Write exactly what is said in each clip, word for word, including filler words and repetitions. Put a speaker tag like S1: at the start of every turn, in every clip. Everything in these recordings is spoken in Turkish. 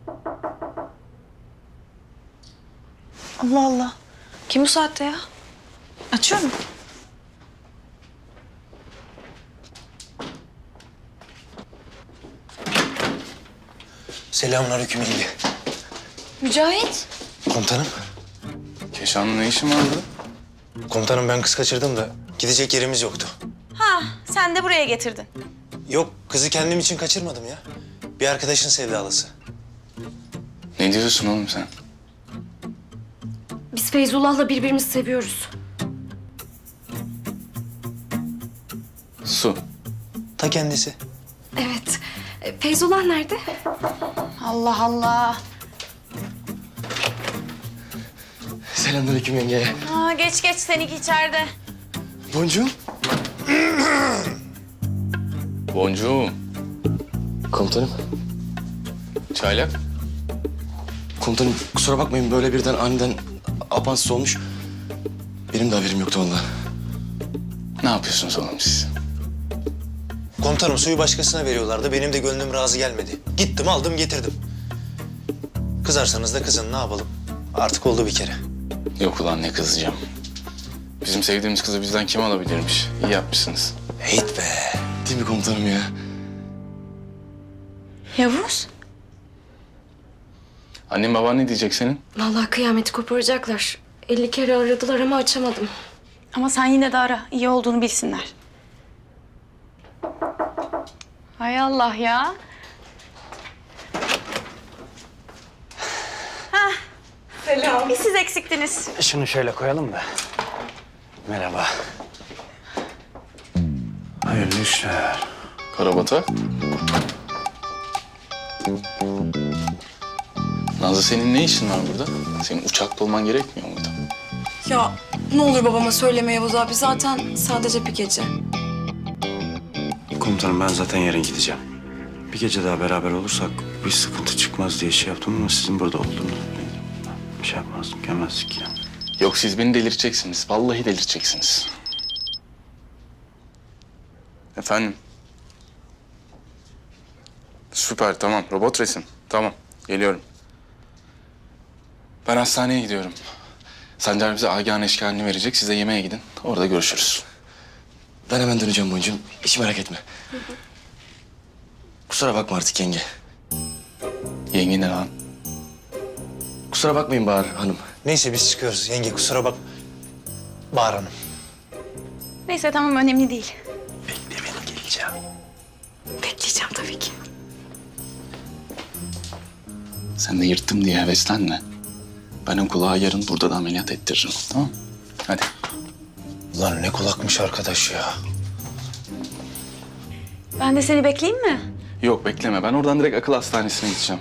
S1: Allah Allah. Kim bu saatte ya? Açıyorum.
S2: Selamünaleyküm yenge.
S1: Mücahit.
S2: Komutanım.
S3: Keşan'la ne işin var burada?
S2: Komutanım ben kız kaçırdım da gidecek yerimiz yoktu.
S1: Ha, sen de buraya getirdin.
S2: Yok kızı kendim için kaçırmadım ya. Bir arkadaşın sevdalısı.
S3: Ne diyorsun oğlum sen?
S4: Biz Feyzullah'la birbirimizi seviyoruz.
S3: Su.
S2: Ta kendisi.
S4: Evet. E, Feyzullah nerede?
S1: Allah Allah.
S2: Selamünaleyküm yenge.
S1: Aa, geç geç seninki içeride.
S2: Boncuğum.
S3: Boncuğum.
S2: Komutanım.
S3: Çaylak.
S2: Komutanım kusura bakmayın böyle birden aniden apansız olmuş. Benim de haberim yoktu vallahi.
S3: Ne yapıyorsunuz oğlum siz?
S2: Komutanım suyu başkasına veriyorlardı. Benim de gönlüm razı gelmedi. Gittim aldım getirdim. Kızarsanız da kızın ne yapalım? Artık oldu bir kere.
S3: Yok ulan ne kızacağım. Bizim sevdiğimiz kızı bizden kim alabilirmiş? İyi yapmışsınız.
S2: Heyt be. Değil mi komutanım ya?
S1: Yavuz.
S3: Annen baban ne diyecek senin?
S4: Vallahi kıyameti koparacaklar. elli kere aradılar ama açamadım.
S1: Ama sen yine de ara. İyi olduğunu bilsinler. Hay Allah ya. Hah. Selam. Bir siz eksiktiniz.
S2: Şunu şöyle koyalım da. Merhaba. Hayırlı işler.
S3: Karabata. Nazlı senin ne işin var burada? Senin uçakta olman gerekmiyor muydu?
S5: Ya ne olur babama söyleme Yavuz abi. Zaten sadece bir gece.
S6: Komutanım ben zaten yarın gideceğim. Bir gece daha beraber olursak bir sıkıntı çıkmaz diye şey yaptım ama sizin burada olduğunu bir şey yapmazdım, gelmezdik yani.
S3: Yok siz beni delirteceksiniz. Vallahi delirteceksiniz. Efendim? Süper tamam. Robot resim. Tamam. Geliyorum. Ben hastaneye gidiyorum. Sancar bize Agah'ın eşkalini verecek. Siz de yemeğe gidin. Orada görüşürüz.
S2: Ben hemen döneceğim Boncuğum. Hiç merak etme. Kusura bakma artık yenge.
S3: Yenge ne lan?
S2: Kusura bakmayın Bahar Hanım. Neyse biz çıkıyoruz. Yenge kusura bak. Bahar Hanım.
S1: Neyse tamam önemli değil.
S2: Bekle beni geleceğim.
S4: Bekleyeceğim tabii ki.
S3: Sen de yırttım diye heveslenme. Ben o kulağı yarın burada da ameliyat ettiririm. Tamam? Hadi.
S2: Ulan ne kulakmış arkadaş ya.
S1: Ben de seni bekleyeyim mi?
S3: Yok bekleme. Ben oradan direkt akıl hastanesine gideceğim.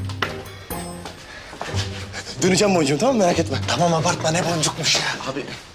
S2: Döneceğim Boncuğum tamam merak etme. Tamam abartma ne boncukmuş ya.
S3: Abi